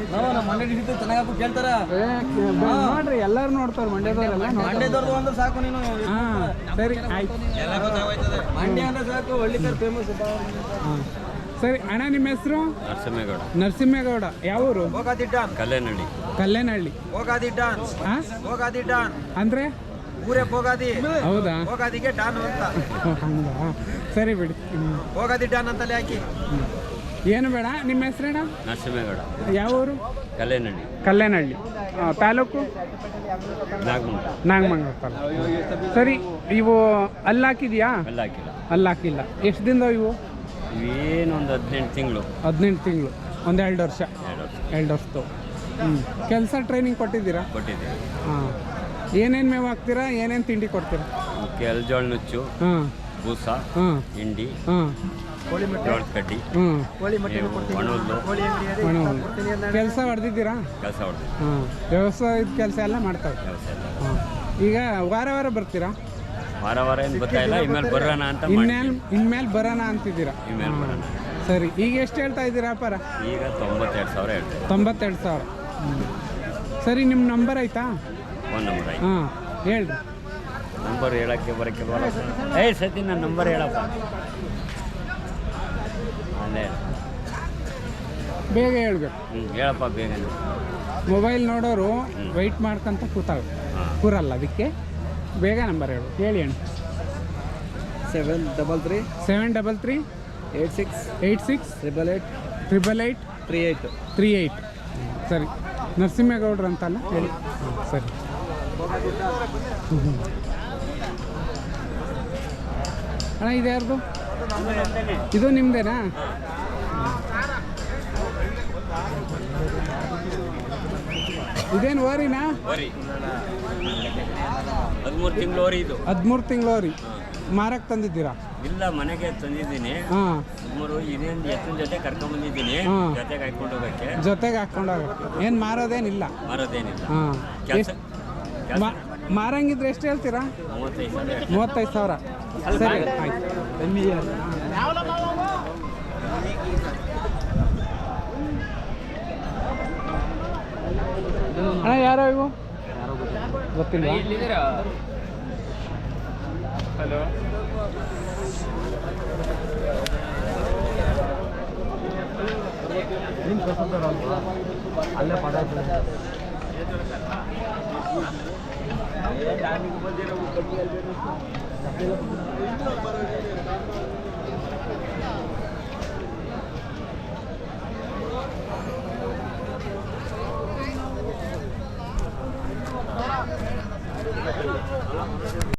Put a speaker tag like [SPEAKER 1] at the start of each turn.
[SPEAKER 1] ನಮ್ಮ ಮಂಡ್ಯ ಡಿಸ್ಟ್ರಿಕ್ಟ್ ಚೆನ್ನಾಗಿ ಕೇಳ್ತಾರ
[SPEAKER 2] ನೋಡ್ರಿ ಎಲ್ಲರೂ ನೋಡ್ತಾರೆ ಮಂಡ್ಯದವರೆಲ್ಲ
[SPEAKER 1] ಮಂಡ್ಯದವ್ರದ್ದು ಅಂದ್ರೆ ಸಾಕು ನೀನು.
[SPEAKER 2] ಹಾಂ ಸರಿ ಆಯ್ತು.
[SPEAKER 1] ಮಂಡ್ಯ ಅಂದ್ರೆ ಸಾಕು, ಹಳ್ಳಿಕರ್ ಫೇಮಸ್.
[SPEAKER 2] ಹಾಂ ಸರಿ ಅಣ್ಣ, ನಿಮ್ಮ ಹೆಸರು?
[SPEAKER 3] ನರಸಿಂಹೇಗೌಡ.
[SPEAKER 2] ನರಸಿಂಹೇಗೌಡ. ಯಾವೂರು?
[SPEAKER 3] ಕಲ್ಲೇನಹಳ್ಳಿ.
[SPEAKER 2] ಕಲ್ಲೇನಹಳ್ಳಿ. ಹಾಂ ಅಂದರೆ
[SPEAKER 1] ಊರೇ ಹೋಗಾದಿ.
[SPEAKER 2] ಹೌದಾ?
[SPEAKER 1] ಹೋಗಾದಿಗೆ ಡಾನ್ ಅಂತ.
[SPEAKER 2] ಹೌದಾ? ಸರಿ ಬಿಡಿ.
[SPEAKER 1] ಹೋಗಾದಿ ಡಾನ್ ಅಂತಲೇ ಹಾಕಿ.
[SPEAKER 2] ಏನು ಬೇಡ. ನಿಮ್ಮ ಹೆಸರೇನ?
[SPEAKER 3] ನರಸಿಂಹೇಗೌಡ.
[SPEAKER 2] ಯಾವ ಊರು?
[SPEAKER 3] ಕಲ್ಲೇನಹಳ್ಳಿ.
[SPEAKER 2] ಕಲ್ಲೇನಹಳ್ಳಿ. ತಾಲೂಕು?
[SPEAKER 3] ನಾಗಮಂಗಲ.
[SPEAKER 2] ನಾಗಮಂಗಲ ತಾಲೂಕು. ಸರಿ, ಇವು ಅಲ್ಲಿ ಹಾಕಿದ್ಯಾ?
[SPEAKER 3] ಅಲ್ಲಿ ಹಾಕಿಲ್ಲ.
[SPEAKER 2] ಅಲ್ಲಿ ಹಾಕಿಲ್ಲ. ಎಷ್ಟು ದಿನದ ಇವು?
[SPEAKER 3] ಇವೇನೊಂದು 18 ತಿಂಗಳು.
[SPEAKER 2] 18 ತಿಂಗಳು. ಒಂದು 2 ವರ್ಷ. 2 ವರ್ಷದ್ದು. ಕೆಲಸ ಟ್ರೈನಿಂಗ್ ಕೊಟ್ಟಿದ್ದೀರಾ?
[SPEAKER 3] ಕೊಟ್ಟಿದ್ದೀವಿ.
[SPEAKER 2] ಹಾಂ. ಏನೇನು ಮೇವು ಹಾಕ್ತೀರಾ? ಏನೇನು ತಿಂಡಿ ಕೊಡ್ತೀರಾ?
[SPEAKER 3] ಕೆಲ್ಜೋಳ ನುಚ್ಚು,
[SPEAKER 2] ಹಾಂ,
[SPEAKER 3] ಬೂಸ,
[SPEAKER 2] ಹಾಂ,
[SPEAKER 3] ಹಿಂಡಿ,
[SPEAKER 2] ಹಾಂ,
[SPEAKER 3] ಜೋಳದ ಕಡ್ಡಿ, ಒಣಹುಲ್ಲು.
[SPEAKER 2] ಕೆಲಸ ಹೊಡೆದಿದ್ದೀರಾ?
[SPEAKER 3] ಕೆಲಸ ಹೊಡೆದು
[SPEAKER 2] ಹಾಂ. ವ್ಯವಸಾಯದ ಕೆಲಸ ಎಲ್ಲ ಮಾಡ್ತಾರೆ.
[SPEAKER 3] ಕೆಲಸ ಎಲ್ಲ.
[SPEAKER 2] ಹಾಂ. ಈಗ ವಾರ ವಾರ ಬರ್ತೀರಾ?
[SPEAKER 3] ವಾರ ಏನು ಗೊತ್ತಾಯಿಲ್ಲ. ಇನ್ಮೇಲೆ ಬರೋಣ ಅಂತ.
[SPEAKER 2] ಇನ್ಮೇಲೆ ಬರೋಣ ಅಂತಿದ್ದೀರಾ?
[SPEAKER 3] ಇನ್ಮೇಲೆ ಬರೋಣ.
[SPEAKER 2] ಸರಿ, ಈಗ ಎಷ್ಟು ಹೇಳ್ತಾ ಇದ್ದೀರಾ ವ್ಯಾಪಾರ?
[SPEAKER 3] ಈಗ 92,000 ಹೇಳ್ತೇವೆ.
[SPEAKER 2] 92,000. ಸರಿ, ನಿಮ್ಮ ನಂಬರ್ ಆಯ್ತಾ?
[SPEAKER 3] ಫೋನ್ ನಂಬರ್ ಆಯ್ತು.
[SPEAKER 2] ಹಾಂ, ಹೇಳ್ರಿ.
[SPEAKER 3] ನಂಬರ್ ಹೇಳೋಕ್ಕೆ ಬರೋಕ್ಕಿಲ್ವಲ್ಲ. ಸತಿ ನನ್ನ ನಂಬರ್ ಹೇಳಪ್ಪ. ಅಲ್ಲೇ
[SPEAKER 2] ಬೇಗ ಹೇಳ್ಬೇಕು.
[SPEAKER 3] ಹೇಳಪ್ಪ ಬೇಗ.
[SPEAKER 2] ಮೊಬೈಲ್ ನೋಡೋರು ವೆಯ್ಟ್ ಮಾಡ್ಕೊಂತ ಕೂರಲ್ಲ, ಅದಕ್ಕೆ ಬೇಗ ನಂಬರ್ ಹೇಳಿ ಅಣ್ಣ.
[SPEAKER 1] 733
[SPEAKER 2] 733
[SPEAKER 1] 86
[SPEAKER 2] 86
[SPEAKER 1] 888
[SPEAKER 2] 888
[SPEAKER 1] 38.
[SPEAKER 2] 38. ಸರಿ, ನರಸಿಂಹೇಗೌಡ್ರು ಅಂತಲ್ಲ ಹೇಳಿ. ಸರಿ. ಅಣ್ಣ, ಇದು ಯಾರ್ದು? ಇದು ನಿಮ್ಮದೇನಾ? ಇದೇನು ಓರಿನಾ?
[SPEAKER 3] 13 ತಿಂಗಳು ಓರಿ ಇದು.
[SPEAKER 2] 13 ತಿಂಗಳು ಓರಿ. ಮಾರಕ್ಕೆ ತಂದಿದ್ದೀರಾ?
[SPEAKER 3] ಇಲ್ಲ, ಮನೆಗೆ ತಂದಿದ್ದೀನಿ.
[SPEAKER 2] ಹಾಂ.
[SPEAKER 3] ಸುಮಾರು ಇನ್ನೇನು ಎತ್ತಿನ ಜೊತೆ ಕರ್ಕೊಂಡ್ಬಂದಿದ್ದೀನಿ.
[SPEAKER 2] ಹಾಂ.
[SPEAKER 3] ಜೊತೆಗೆ ಹಾಕೊಂಡು ಹೋಗೋಕ್ಕೆ.
[SPEAKER 2] ಜೊತೆಗೆ ಹಾಕ್ಕೊಂಡು ಹೋಗಕ್ಕೆ. ಏನು ಮಾರೋದೇನಿಲ್ಲ?
[SPEAKER 3] ಮಾರೋದೇನಿಲ್ಲ.
[SPEAKER 2] ಹಾಂ.
[SPEAKER 3] ಕೆಲಸ
[SPEAKER 2] ಮಾರಂಗಿದ್ರೆ ಎಷ್ಟು ಹೇಳ್ತೀರಾ?
[SPEAKER 3] 35,000.
[SPEAKER 2] 35,000. ಸರಿ, ಆಯ್ತು. ಅಣ್ಣ, ಯಾರೋ ಇವು? ಗೊತ್ತಿಲ್ಲ.
[SPEAKER 3] ಹಲೋ.
[SPEAKER 1] ಅಲ್ಲೇ ಪದ